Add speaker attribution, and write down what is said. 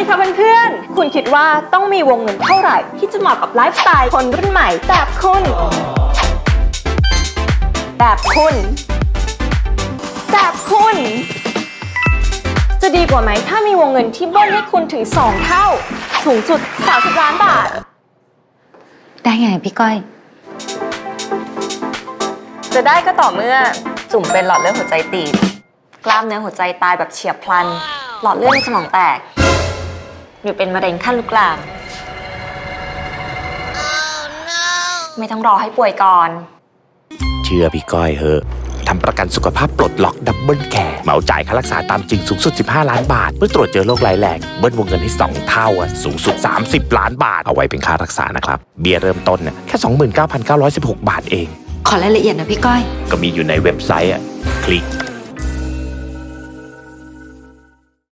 Speaker 1: ดีค่ะเพื่อนๆคุณคิดว่าต้องมีวงเงินเท่าไหร่ที่จะเหมาะกับไลฟ์สไตล์คนรุ่นใหม่แบบคุณจะดีกว่าไหมถ้ามีวงเงินที่เบิ้ลให้คุณถึง2 เท่าสูงสุด30 ล้านบาท
Speaker 2: ได้ไงพี่ก้อย
Speaker 1: จะได้ก็ต่อเมื่อจุ่มเป็นหลอดเลือดหัวใจตีบกล้ามเนื้อหัวใจตายแบบเฉียบพลันหลอดเลือดในสมองแตกหรือเป็นมะเร็งขั้นลุกลาม ไม่ต้องรอให้ป่วยก่อน
Speaker 3: เชื่อพี่ก้อยเหอะทำประกันสุขภาพปลดล็อกดับเบิลแคร์เหมาจ่ายค่ารักษาตามจริงสูงสุด15 ล้านบาทเมื่อตรวจเจอโรคร้ายแรงเบิ้ลวงเงินให้2 เท่าสูงสุด30 ล้านบาทเอาไว้เป็นค่ารักษานะครับเบี้ยเริ่มต้นแค่ 29,916 บาทเอง
Speaker 2: ขอรายละเอียดนะพี่ก้อย
Speaker 3: ก็มีอยู่ในเว็บไซต์คลิก